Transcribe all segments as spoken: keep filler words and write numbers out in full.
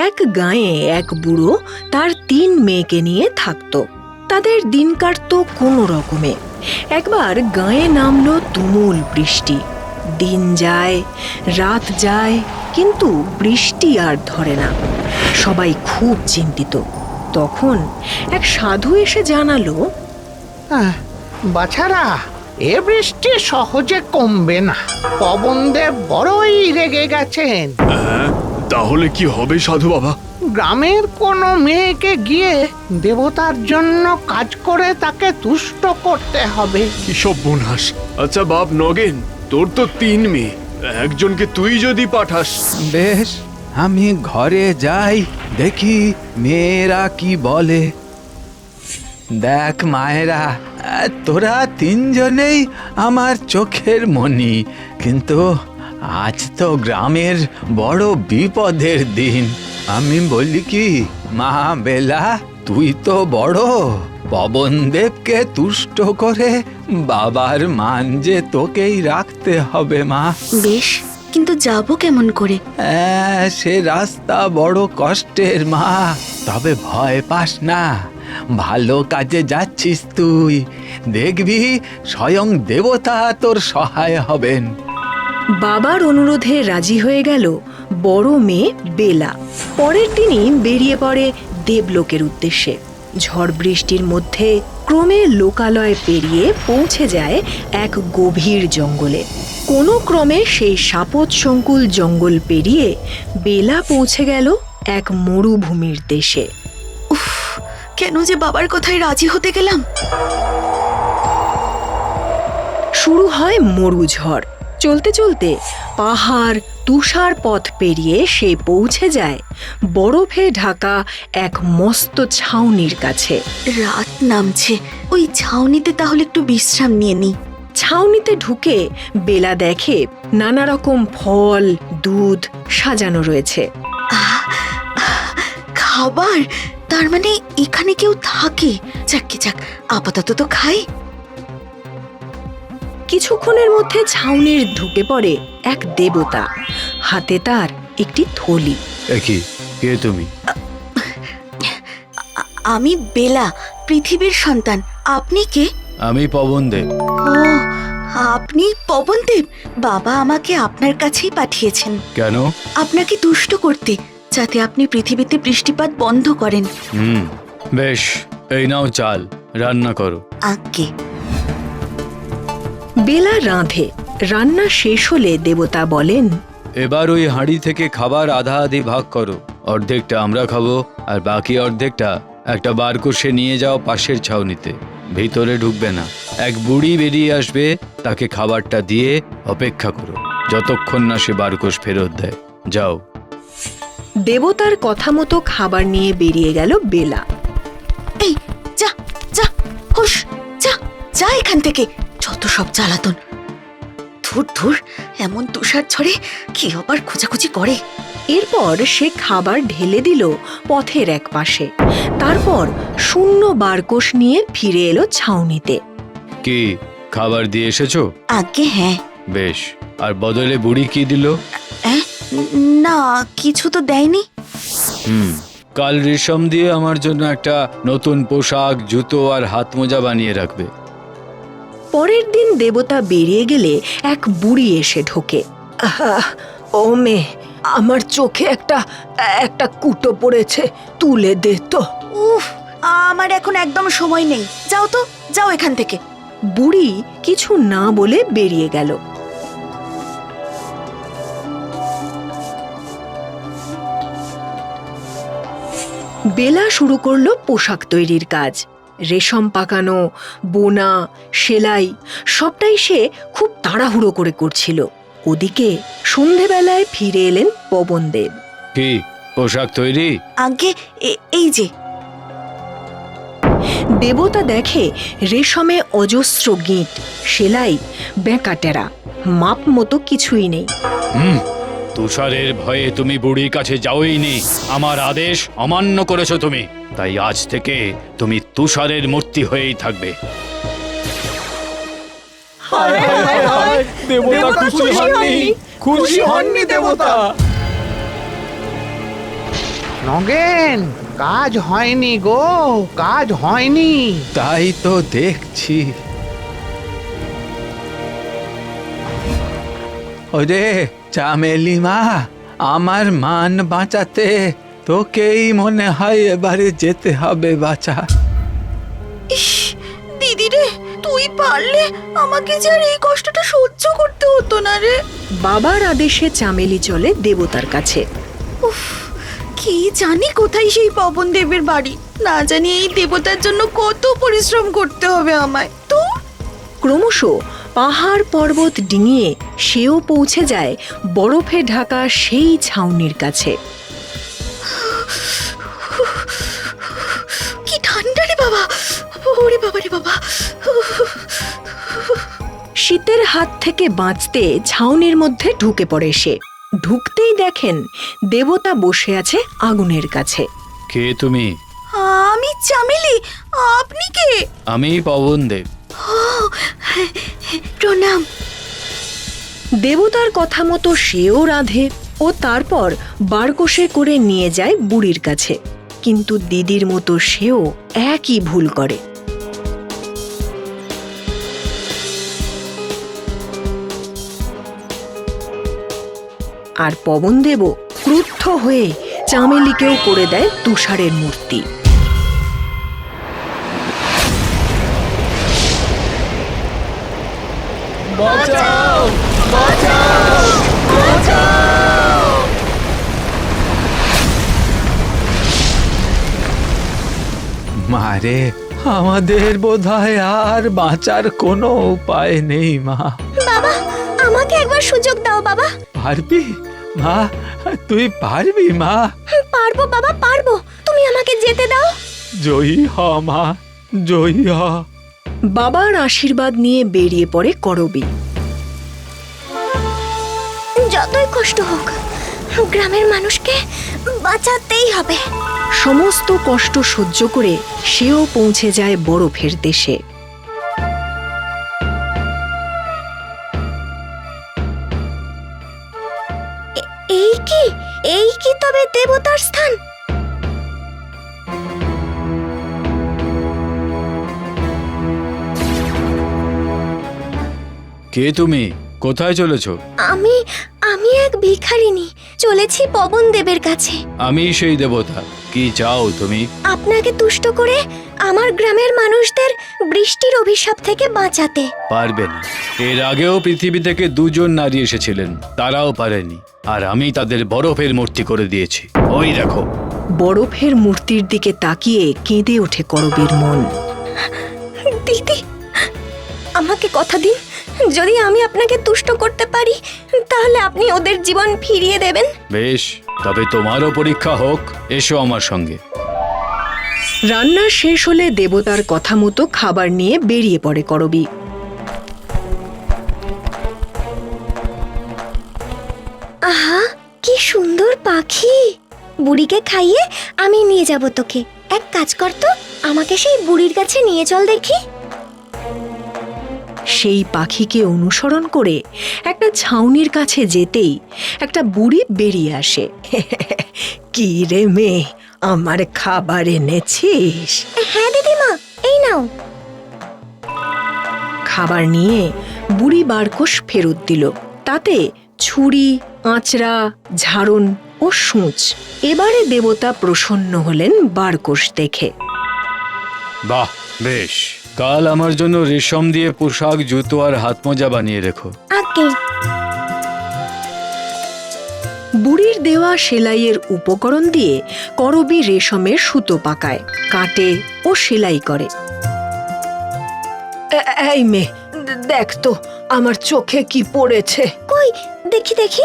এক গাঁয়ে এক বুড়ো তার তিন মেয়েকে নিয়ে থাকতো। তাদের দিন কাটতো কোনো রকমে। একবার গাঁয়ে নামলো তুমুল বৃষ্টি। দিন যায়, রাত যায়, কিন্তু বৃষ্টি আর ধরে না। সবাই খুব চিন্তিত। তখন এক সাধু এসে জানালো, বাছারা, এ বৃষ্টি সহজে কমবে না। পবনদেব বড়ই রেগে গেছেন। তাহলে কি হবে সাধু বাবা? গ্রামের কোনো মেয়েকে গিয়ে দেবতার জন্য কাজ করে তাকে তুষ্ট করতে হবে। কি সর্বনাশ! আচ্ছা বাপ নগেন, তোর তো তিন মেয়ে, একজনকে তুই যদি পাঠাস। বেশ, আমি ঘরে যাই, দেখি মেয়েরা কি বলে। দেখ মায়েরা, তোরা তিনজনেই আমার চোখের মণি, কিন্তু আজ তো গ্রামের বড় বিপদের দিন। আমি বলি কি, মা বেলা, তুই তো বড়, পবনদেবকে তুষ্ট করে বাবার মান যে তোকেই রাখতে হবে মা। বেশ, কিন্তু যাব কেমন করে? হ্যাঁ, সে রাস্তা বড় কষ্টের মা, তবে ভয় পাস না, ভালো কাজে যাচ্ছিস তুই, দেখবি স্বয়ং দেবতা তোর সহায় হবেন। বাবার অনুরোধে রাজি হয়ে গেল বড় মেয়ে বেলা। পরের দিনই বেরিয়ে পড়ে দেবলোকের উদ্দেশ্যে। ঝড় বৃষ্টির মধ্যে ক্রমে লোকালয় পেরিয়ে পৌঁছে যায় এক গভীর জঙ্গলে। কোনো ক্রমে সেই সাপত সংকুল জঙ্গল পেরিয়ে বেলা পৌঁছে গেল এক মরুভূমির দেশে। উফ, কেন যে বাবার কথায় রাজি হতে গেলাম। শুরু হয় মরুঝড়। চলতে চলতে পাহাড় তুষার পথ পেরিয়ে সে পৌঁছে যায় বরফে ঢাকা এক মস্ত ছাউনির কাছে। রাত নামছে, ওই ছাউনিতে তাহলে একটু বিশ্রাম নিয়ে নি। ছাউনিতে ঢুকে বেলা দেখে নানা রকম ফল, দুধ সাজানো রয়েছে। আহ, খাবার, তার মানে এখানে কেউ থাকে। যাক যাক, আপাতত তো খাই। কিছুক্ষণের মধ্যে ছাউনির ঢুকে পড়ে এক দেবতা। হাতে তার একটি থলি। দেখি, কে তুমি? আমি বেলা, পৃথিবীর সন্তান। আপনি কে? আমি পবনদেব। ও, আপনি পবনদেব। বাবা আমাকে আপনার কাছেই পাঠিয়েছেন। কেন? আপনাকে তুষ্ট করতে, যাতে আপনি পৃথিবীতে বৃষ্টিপাত বন্ধ করেন। হুম, বেশ, এই নাও চাল, রান্না করো। আজ্ঞে। বেলা রাঁধে। রান্না শেষ হলে দেবতা বলেন, এবার ওই হাঁড়ি থেকে খাবার আধা আধি ভাগ করো। অর্ধেকটা আমরা খাবো, আর বাকি অর্ধেকটা একটা বারকোষে নিয়ে যাও পাশের ছাউনিতে। ভিতরে ঢুকবে না। এক বুড়ি বেরিয়ে আসবে, তাকে খাবারটা দিয়ে অপেক্ষা করো যতক্ষণ না সে বারকোষ ফেরত দেয়। যাও। দেবতার কথা মতো খাবার নিয়ে বেরিয়ে গেল বেলা। এই যা যা, হুশ, যা যা এখান থেকে। যত সব জ্বালাতন। ধুর ধুর, এমন তুষার ঝড়ে কি আবার খোঁজাখুঁজি করে। এরপর সে খাবার ঢেলে দিল পথের এক পাশে। তারপর শূন্য বারকোষ নিয়ে ফিরে এলো ছাউনিতে। কি খাবার দিয়ে এসেছো? আজ্ঞে হ্যাঁ। বেশ, আর বদলে বুড়ি কি দিল? অ্যাঁ, না, কিছু তো দেয়নি। হুম, কাল রেশম দিয়ে আমার জন্য একটা নতুন পোশাক, জুতো আর হাত মোজা বানিয়ে রাখবে। পরের দিন দেবতা বেরিয়ে গেলে এক বুড়ি এসে ঢোকে। আহা, ও মেয়ে, আমার চোখে একটা একটা কুটো পড়েছে, তুলে দে তো। উফ, আমার এখন একদম সময় নেই। যাও তো, যাও এখান থেকে। বুড়ি কিছু না বলে বেরিয়ে গেল। বেলা শুরু করলো পোশাক তৈরির কাজ। রেশম পাকানো, বোনা, সেলাই সবটাই সে খুব তাড়াহুড়ো করে করছিল। ওদিকে সন্ধেবেলায় ফিরে এলেন পবনদেব। কি পোশাক তৈরি? আজ্ঞে, এ- এই যে। দেবতা দেখে রেশমে অজস্র গিঁট, সেলাই বেঁকাটেরা, মাপ মতো কিছুই নেই। হুম, তুষারের ভয়ে তুমি বুড়ির কাছে যাওইনি। আমার আদেশ অমান্য করেছো তুমি, তাই আজ থেকে তুমি তুষারের মূর্তি হয়েই থাকবে। দেবতা খুশি হননি, খুশি হননি দেবতা। নগেন, কাজ হয়নি গো, কাজ হয়নি। তাই তো দেখছি। ওরে চামেলি মা, আমার মান বাঁচাতে তোকেই মনে হয় এবারে যেতে হবে বাঁচা। ইস, দিদি রে, তুই পারলে আমাকে যে আর এই কষ্টটা সহ্য করতে হতো না রে। বাবার আদেশে চামেলি চলে দেবতার কাছে। উফ, কি জানি কোথায় সেই পবন দেবের বাড়ি। না জানি এই দেবতার জন্য কত পরিশ্রম করতে হবে আমায়। তো ক্রমশ পাহাড় পর্বত ডিঙিয়ে সেও পৌঁছে যায় বরফে ঢাকা সেই ছাউনির কাছে। কি ঠান্ডা রে বাবা, ওরে বাবা রে বাবা। শীতের হাত থেকে বাঁচতে ছাউনির মধ্যে ঢুকে পড়ে সে। ঢুকতেই দেখেন দেবতা বসে আছে আগুনের কাছে। কে তুমি? আমি চামেলি, আপনি কে? আমি পবন দেব। প্রণাম। দেবতার কথা মতো সেও রাধে ও তারপর বারকোষে করে নিয়ে যায় বুড়ির কাছে। কিন্তু দিদির মতো সেও একই ভুল করে। আর পবনদেবও ক্রুদ্ধ হয়ে চামেলিকেও করে দেয় তুষারের মূর্তি। বাঁচাও, বাঁচাও, বাঁচাও! মারে, আমাদের বোধহয় আর বাঁচার কোনো উপায় নেই মা। বাবা, আমাকে একবার সুযোগ দাও বাবা। পারবি মা? তুই পারবি মা? পারবো বাবা, পারবো। তুমি আমাকে যেতে দাও। জয়ী হ মা, জয়ী হ। বাবার আশীর্বাদ নিয়ে বেরিয়ে পড়ে করবী। যতই কষ্ট হোক, গ্রামের মানুষকে বাঁচাতেই হবে। সমস্ত কষ্ট সহ্য করে সেও পৌঁছে যায় বরফের দেশে। এই কি, এই কি তবে দেবতার স্থান? কে তুমি? কোথায় চলেছো? আমি আমি এক ভিখারিনী, চলেছি পবন দেবের কাছে। আমি সেই দেবতা। কি চাও তুমি? আপনাকে তুষ্ট করে আমার গ্রামের মানুষদের বৃষ্টির অভিশাপ থেকে বাঁচাতে। পারবে না। এর আগেও পৃথিবী থেকে দুজন নারী এসেছিলেন, তারাও পারেনি। আর আমি তাদের বরফের মূর্তি করে দিয়েছি। ওই দেখো। বরফের মূর্তির দিকে তাকিয়ে কেঁদে ওঠে করবীর মন। দিদি, আমাকে কথা দিন, যদি আমি আপনাকে তুষ্ট করতে পারি তাহলে আপনি ওদের জীবন ফিরিয়ে দেবেন। বেশ, তবে তোমারও পরীক্ষা হোক। এসো আমার সঙ্গে। রান্না শেষ হলে দেবতার কথা মতো খাবার নিয়ে বেরিয়ে পড়ে করবী। আহা, কি সুন্দর পাখি। বুড়িকে খাইয়ে আমি নিয়ে যাব তোকে। এক কাজ কর তো, আমাকে সেই বুড়ির কাছে নিয়ে চল দেখি। সেই পাখিকে অনুসরণ করে একটা ছাউনির কাছে যেতেই একটা বুড়ি বেরিয়ে আসে। কি রে মেয়ে, আমার খাবার এনেছিস? হ্যাঁ দিদিমা, এই নাও। খাবার নিয়ে বুড়ি বারকোষ ফেরত দিল। তাতে ছুরি, আঁচড়া, ঝাড়ন ও সূঁচ। এবারে দেবতা প্রসন্ন হলেন বারকোষ দেখে। বাহ, বেশ। কাল আমার জন্য রেশম দিয়ে পোশাক, জুতো আর হাত মোজা বানিয়ে রেখো। আগে বুড়ির দেওয়া সেলাইয়ের উপকরণ দিয়ে করবী রেশমের সুতো পাকায়, কাটে ও সেলাই করে। এই মেয়ে, দেখ তো আমার চোখে কি পড়েছে। কই, দেখি দেখি।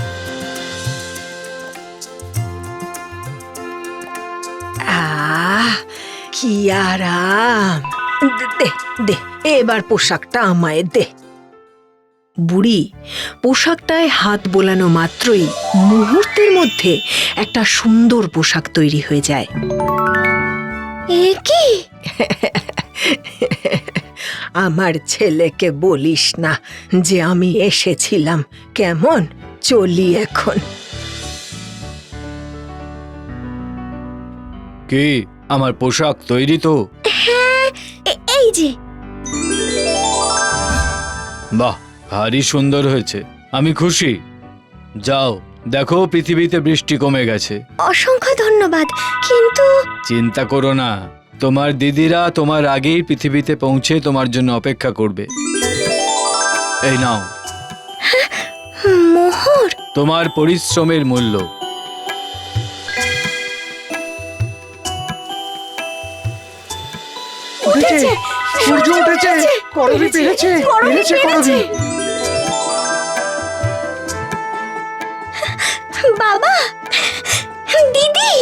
আহ, কি আরাম। দে দে, এবার পোশাকটা আমায় দে। বুড়ি পোশাকটায় হাত বোলানো মাত্রই মুহূর্তের মধ্যে একটা সুন্দর পোশাক তৈরি হয়ে যায়। এ কি? আমার ছেলেকে বলিস না যে আমি এসেছিলাম। কেমন, চলি এখন। কি আমার পোশাক তৈরি তো? এ- এই যে বাহ, ভারী সুন্দর হয়েছে, আমি খুশি। যাও দেখো পৃথিবীতে বৃষ্টি কমে গেছে। অসংখ্য ধন্যবাদ, কিন্তু চিন্তা করো না, তোমার দিদিরা তোমার আগেই পৃথিবীতে পৌঁছে তোমার জন্য অপেক্ষা করবে। এই নাও মোহর। তোমার পরিশ্রমের মূল্য। উঠেছে, সূর্য উঠেছে, করবি পেরেছে, পেরেছে করবি। বাবা, দিদি,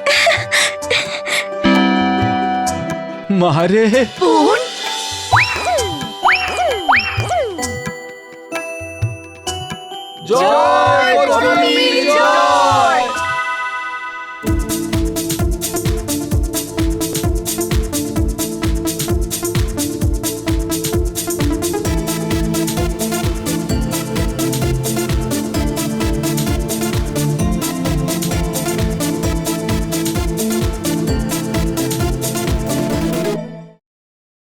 মারে বোন, জয় করবি জয়।